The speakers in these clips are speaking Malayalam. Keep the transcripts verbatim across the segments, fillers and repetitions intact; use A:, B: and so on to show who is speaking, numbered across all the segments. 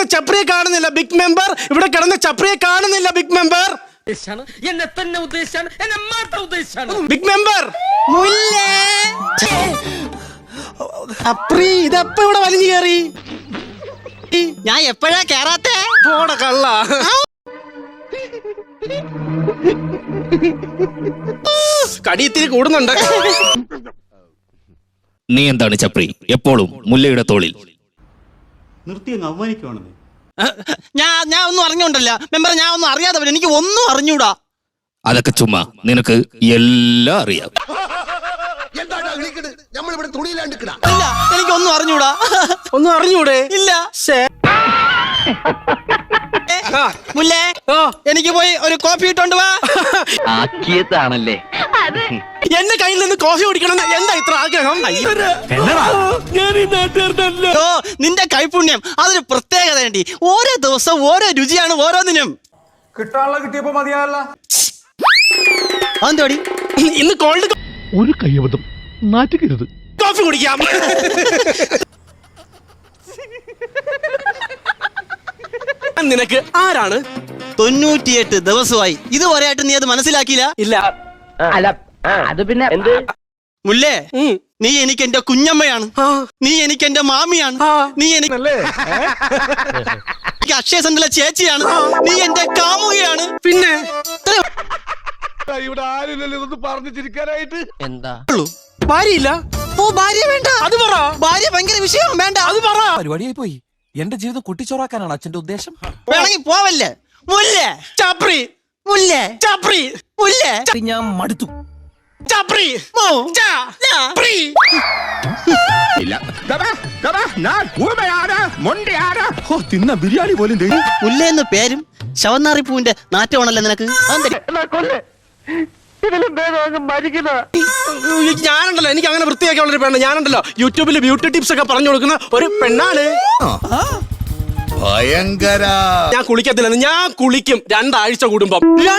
A: കിടന്ന ചപ്രിയെ കാണുന്നില്ല ബിഗ് മെമ്പർ. ഇവിടെ കിടന്ന ചപ്രിയെ കാണുന്നില്ല ബിഗ് മെമ്പർ.
B: എന്നെ തന്നെ ഉദ്ദേശിച്ചാണ്, എന്നെ മാത്രം ഉദ്ദേശിച്ചാണ്
A: ബിഗ് മെമ്പർ. മുല്ലേ ചപ്രി ഇതെപ്പ ഇവിടെ വലിഞ്ഞു കയറി?
C: ഞാൻ എപ്പോഴാ കേറാത്തെ?
A: പോട കള്ള. കടിയത്തിരി കൂടുന്നുണ്ട്.
D: നീ എന്താണ് ചപ്രി എപ്പോഴും മുല്ലയുടെ തോളിൽ?
E: നിർത്തി അങ്ങ് അവമാനിക്കുവാണെന്നേ.
C: ഞാൻ ഞാൻ ഒന്നും അറിഞ്ഞോണ്ടല്ല മെമ്പർ, ഞാൻ ഒന്നും അറിയാതെ എനിക്ക് ഒന്നും അറിഞ്ഞൂടാ.
D: അതൊക്കെ ചുമ്മാ, നിനക്ക് എല്ലാം അറിയാം.
C: ഇല്ല, എനിക്കൊന്നും അറിഞ്ഞൂടാ.
A: ഒന്നും അറിഞ്ഞൂടെ?
C: ഇല്ല. മുല്ലേ, എനിക്ക് പോയി ഒരു കോഫി ഇട്ടോണ്ട് വാ.
F: ആക്കിയതാണല്ലേ
A: എന്റെ കയ്യിൽ നിന്ന് കോഫി കുടിക്കണം. എന്താ ഇത്ര ആഗ്രഹം?
C: ഓ, നിന്റെ കൈപുണ്യം അതൊരു പ്രത്യേകതയുണ്ട്. ഓരോ ദിവസം ഓരോ രുചിയാണ് ഓരോന്നിനും.
G: കിട്ടാനുള്ള കിട്ടിയപ്പോ മതിയായല്ല.
C: അതെന്തോടി
A: ഇന്ന് കോൾഡ്
H: ഒരു കയ്യബദ്ധം നാറ്റുകരുത്.
A: കോഫി കുടിക്കാം. നിനക്ക് ആരാണ്?
C: തൊണ്ണൂറ്റിയെട്ട് ദിവസമായി ഇതുവരെയായിട്ട് നീ അത് മനസ്സിലാക്കിയില്ല?
A: ഇല്ല.
F: അല്ല അത് പിന്നെ
C: മുല്ലേ, നീ എനിക്ക് എന്റെ കുഞ്ഞമ്മയാണ്, നീ എനിക്ക് എന്റെ മാമിയാണ്, നീ എനിക്ക് അക്ഷയ സെന്ററിലെ ചേച്ചിയാണ്, നീ എന്റെ കാമുകയാണ്.
A: പിന്നെ
H: ഇവിടെ ആരില്ലല്ലോ ഇതൊന്ന് പറഞ്ഞു ചിരിക്കാനായിട്ട്.
F: എന്താ
A: ഭാര്യയില്ല?
C: ഓ, ഭാര്യ വേണ്ട.
A: അത് പറ.
C: ഭാര്യ ഭയങ്കര വിഷയം, വേണ്ട.
A: അത് പറ.
G: പരിപാടിയായി പോയി. എന്റെ ജീവിതം കുട്ടിച്ചോറാക്കാനാണ് അച്ഛന്റെ ഉദ്ദേശം.
C: വേണമെങ്കിൽ പോവല്ലേ? മുല്ലേ
A: ചപ്രി,
C: മുല്ലേ
A: ചപ്രി,
C: മുല്ലേ.
G: ഞാൻ മടുത്തു.
A: ചപ്രി, ചപ്രി.
H: തിന്ന ബിരിയാണി പോലും
C: മുല്ലേ എന്ന പേരും ശവന്നാറി പൂവിന്റെ നാറ്റമാണല്ലോ നിനക്ക്.
A: ഞാനുണ്ടല്ലോ, എനിക്ക് അങ്ങനെ വൃത്തിയാക്കി ഉള്ളൊരു പെണ്ണ്. ഞാനുണ്ടല്ലോ യൂട്യൂബിൽ ബ്യൂട്ടി ടിപ്സ് ഒക്കെ പറഞ്ഞു കൊടുക്കുന്ന ഒരു പെണ്ണാണ്.
I: ഭയങ്കര.
A: ഞാൻ കുളിക്കത്തില്ലെന്ന്. ഞാൻ കുളിക്കും രണ്ടാഴ്ച കൂടുമ്പം.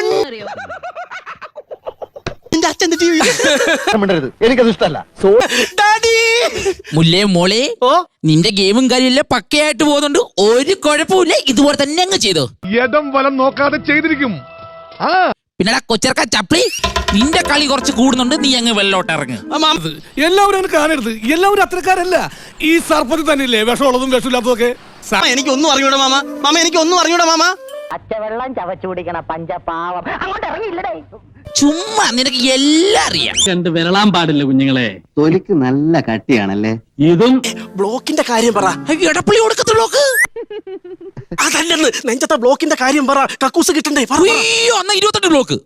C: എന്റെ അച്ഛൻ
F: എനിക്കത് ഇഷ്ടല്ല.
B: മുല്ലേ മോളെ, നിന്റെ ഗെയിമും കാര്യമെല്ലാം പക്കയായിട്ട് പോകുന്നുണ്ട്, ഒരു കുഴപ്പമില്ല. ഇതുപോലെ തന്നെ അങ്ങ് ചെയ്തോ.
H: യഥം വലം നോക്കാതെ ചെയ്തിരിക്കും.
B: പിന്നെടാ കൊച്ചർക്ക ചപ്ലി, നിന്റെ കളി കുറച്ച് കൂടുന്നുണ്ട്, നീ അങ്ങ് വെള്ളോട്ട് ഇറങ്ങ്.
H: എല്ലാവരും അങ്ങനെ കാണരുത്. എല്ലാവരും അത്രക്കാരല്ല. ഈ സർപ്പത്തിൽ തന്നെയില്ലേ വിഷമുള്ളതും വിഷമില്ലാത്തതൊക്കെ.
C: എനിക്ക് ഒന്നും അറിഞ്ഞൂടാ മാമ. മാമ എനിക്ക് ഒന്നും അറിഞ്ഞൂടാ മാമ.
F: അച്ചവെള്ളം ചവച്ചു കുടിക്കണ പഞ്ചപാവം അങ്ങോട്ട് ഇറങ്ങിയില്ലടേ.
B: ചുമ്മാ നിനക്ക് എല്ലാം അറിയാം.
J: രണ്ട് വിരളാൻ പാടില്ല കുഞ്ഞുങ്ങളെ.
F: തൊലിക്ക് നല്ല കട്ടിയാണല്ലേ.
J: ഇതും
A: ബ്ലോക്കിന്റെ കാര്യം പറ.
B: എടപ്പള്ളി കൊടുക്കത്ത ബ്ലോക്ക്
A: അതല്ലെന്ന്, നെഞ്ചത്തെ ബ്ലോക്കിന്റെ കാര്യം പറ. കക്കൂസ് കിട്ടണ്ടേ?
B: അയ്യോ, എന്നാ ഇരുപത്തെട്ട് ബ്ലോക്ക്.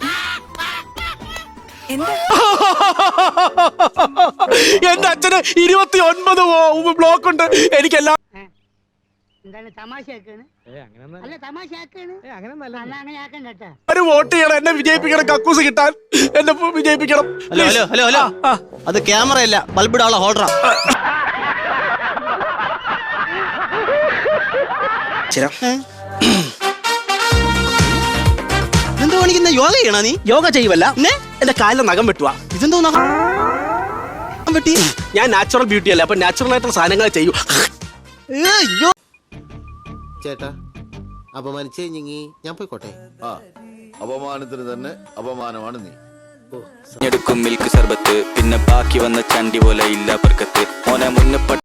A: എന്റെ അച്ഛന് ഇരുപത്തി ഒൻപത് ബ്ലോക്ക് ഉണ്ട്. എനിക്കെല്ലാം ഒരു വോട്ട് ചെയ്യണം, എന്നെ വിജയിപ്പിക്കണം, കക്കൂസ് കിട്ടാൻ എന്നെ വിജയിപ്പിക്കണം.
C: ഹലോ ഹലോ ഹലോ ഹലോ അത് ക്യാമറയല്ല, ബൾബിടാനുള്ള ഹോൾഡറാ. എന്തോ കാണിക്കുന്ന? യോഗ ചെയ്യണ നീ?
A: യോഗ ചെയ്യുവല്ല, എന്റെ കാലിലെ നഖം വെട്ടുവാ.
C: ഇതെന്തോ നഖം വെട്ടി?
A: ഞാൻ നാച്ചുറൽ ബ്യൂട്ടി അല്ലേ, അപ്പൊ നാച്ചുറൽ ആയിട്ടുള്ള സാധനങ്ങൾ ചെയ്യൂ.
I: ചേട്ടാ അപമാനിച്ചേ ഞങ്ങി ഞാൻ പോയിക്കോട്ടെ.
K: ആ അപമാനത്തിന് തന്നെ അപമാനമാണ് നീ.
L: എടുക്കും മിൽക്ക് സർബത്ത്, പിന്നെ ബാക്കി വന്ന ചണ്ടി പോലെ ഇല്ല ബർക്കത്ത്. മോനെ മുന്നേ